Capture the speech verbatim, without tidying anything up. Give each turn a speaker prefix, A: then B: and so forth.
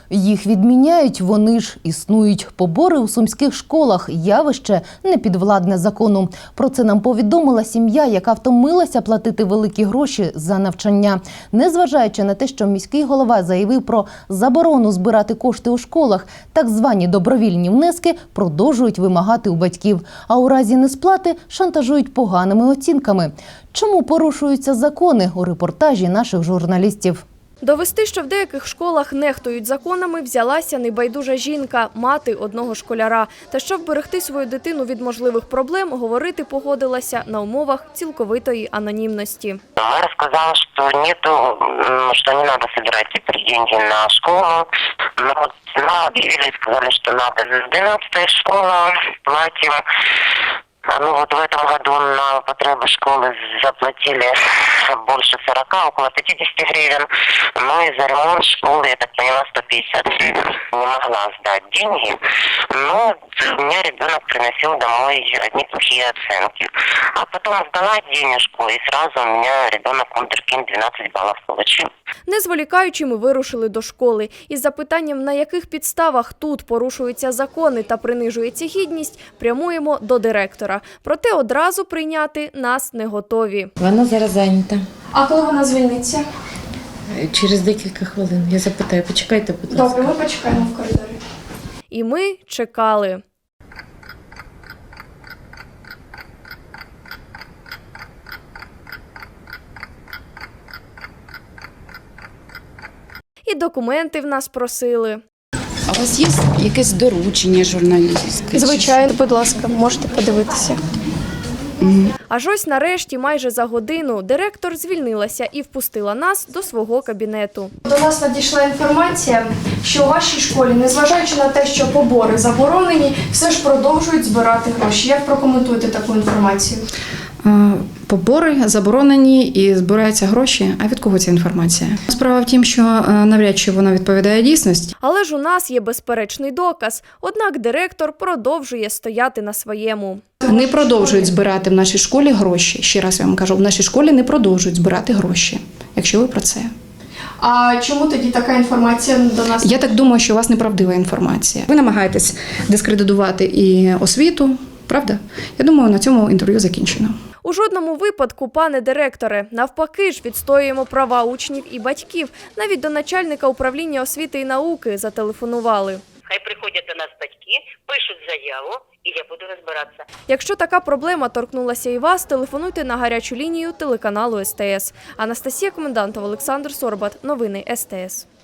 A: Їх відміняють, вони ж існують. Побори у сумських школах – явище непідвладне закону. Про це нам повідомила сім'я, яка втомилася платити великі гроші за навчання. Незважаючи на те, що міський голова заявив про заборону збирати кошти у школах, так звані добровільні внески продовжують вимагати у батьків. А у разі несплати шантажують поганими оцінками. Чому порушуються закони? У репортажі наших журналістів.
B: Довести, що в деяких школах нехтують законами, взялася небайдужа жінка, мати одного школяра. Та щоб вберегти свою дитину від можливих проблем, говорити погодилася на умовах цілковитої анонімності.
C: Мэра сказала, что нету, что не надо собирать теперь деньги на школу. Но вот нам объявили, сказали, что надо. двенадцатая школа, платим. Ну вот в этом году на потребы школы заплатили больше сорока, около пятидесяти гривен. Ну и за ремонт школы, я так поняла, сто пятьдесят гривен. Не могла сдать деньги, но у меня ребенок приносил домой одни плохие оценки. А потом сдала денежку, и сразу у меня ребенок вундеркинд двенадцать баллов получил.
B: Не зволікаючи, ми вирушили до школи. Із запитанням, на яких підставах тут порушуються закони та принижується гідність, прямуємо до директора. Проте одразу прийняти нас не готові.
D: Вона зараз зайнята.
B: А коли вона звільниться?
D: Через декілька хвилин. Я запитаю, почекайте, будь ласка.
B: Добре, ми почекаємо в коридорі. І ми чекали. І документи в нас просили.
E: А у вас є якесь доручення журналістське?
B: Звичайно, будь ласка, можете подивитися. Аж ось нарешті, майже за годину, директор звільнилася і впустила нас до свого кабінету.
F: До нас надійшла інформація, що у вашій школі, незважаючи на те, що побори заборонені, все ж продовжують збирати гроші. Як прокоментуєте таку інформацію?
G: Побори заборонені і збираються гроші. А від кого ця інформація? Справа в тім, що навряд чи вона відповідає дійсності.
B: Але ж у нас є безперечний доказ. Однак директор продовжує стояти на своєму.
G: Не продовжують збирати в нашій школі гроші. Ще раз я вам кажу, в нашій школі не продовжують збирати гроші, якщо ви про це.
F: А чому тоді така інформація до нас?
G: Я так думаю, що у вас неправдива інформація. Ви намагаєтесь дискредитувати і освіту, правда? Я думаю, на цьому інтерв'ю закінчено.
B: У жодному випадку, пане директоре, навпаки ж відстоюємо права учнів і батьків. Навіть до начальника управління освіти і науки зателефонували.
C: Хай приходять до нас батьки, пишуть заяву, і я буду розбиратися.
B: Якщо така проблема торкнулася і вас, телефонуйте на гарячу лінію телеканалу ес те ес. Анастасія Комендантова, Олександр Сорбат. Новини ес те ес.